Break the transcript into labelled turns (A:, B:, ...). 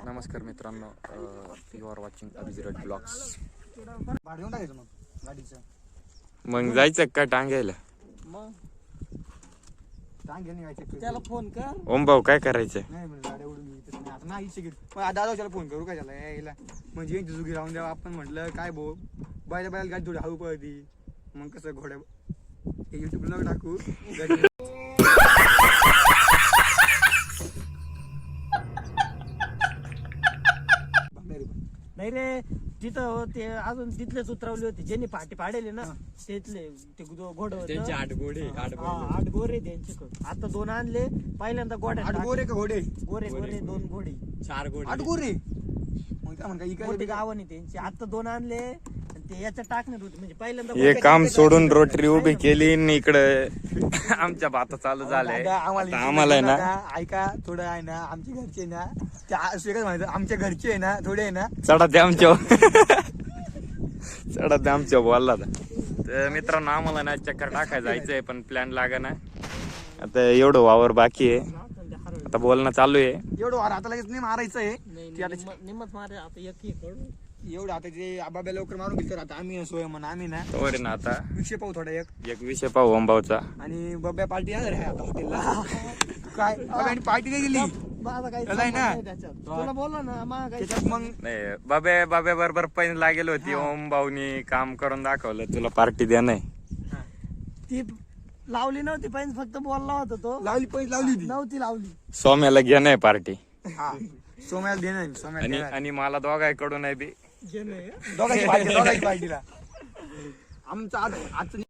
A: नमस्कार मित्रांनो, you are watching Abhijit blogs.
B: भाडून टाकायचं मग गाडीचं.
A: मग जायचं का टांगायला?
B: मग टांगे नाही व्हायचं.
C: त्याला फोन कर.
A: ओम भाऊ काय करायचं?
B: नाही म्हणजे गाड्या उडून येतच नाही आता. नाही इच्छा घेत मग दादा त्याला फोन करू काय त्याला यायला म्हणजे जुगी राहून द्यावा. आपण म्हटलं काय भाऊ बायला बायला गाडी थोडी हळू पळती. मग कसं घोड्या युट्यूबला टाकू गाडी.
C: नाही रे, तिथं ते अजून तिथलेच उतरवले होते ज्यांनी पाठी पाडेले ना. तिथले ते घोड
A: त्यांचे 8 घोडे
C: 8 गोरे त्यांच्याकडे. आता 2 आणले. पहिल्यांदा गोड्या
B: 8 गोरे का घोडे?
C: गोरे 2 घोडे
A: 4 घोडे
B: 8 गोरे. मग काय म्हणता
C: मोठी
B: इकडे
C: गावाने त्यांची. आता 2 आणले आणि ते याच्या टाकण्यात होते. म्हणजे पहिल्यांदा
A: हे काम सोडून रोटरी उभी केली आणि इकडे आमच्या भाता चालू झालंय. आम्हाला आहे ना
B: ऐका थोडं आहे ना आमच्या घरचे ना ते माहिती आमच्या घरचे आहे ना थोडे आहे ना
A: चढा ते आमच्या चढा ते आमच्या बोलला. तर मित्रांनो आम्हाला ना चक्कर टाकायला जायचंय पण प्लॅन लागा ना. आता एवढं वावर बाकी आहे. आता बोलणं चालू आहे.
B: एवढं वार आता लगेच नाही मारायचं आहे. ती आता
C: निम्मत मारे आता एक
B: एवढं आता ते आबाब्या लवकर मारून घेतो. आता आम्ही सोय म्हणा आम्ही ना
A: तर ना आता
B: विषय पाहू थोडा एक
A: विषय पाहू ओम भाऊचा.
B: आणि बब्या पार्टी येणार आहे आता हॉटेलला. काय आणि पार्टी नाही गेली
C: माझा काही
B: त्याला आहे ना.
C: संबंध नाही त्याच्यात. तुला बोलला ना माझा काही
B: त्याच्यात मग
A: नाही बाब्या बरोबर पैन लागेल होती. ओम भाऊनी काम करून दाखवलं तुला पार्टी द्या नाही.
C: ती लावली नव्हती पण फक्त बोलला होता तो.
B: लावली पैसे लावली होती.
C: नव्हती लावली.
A: सोम्याला घ्या नाही पार्टी.
B: हा सोम्याला देणार सोम्याला
A: आणि
B: देणार.
A: आणि मला दोघांकडून आहे बी.
B: दोघांची पार्टीला आमचं आजचं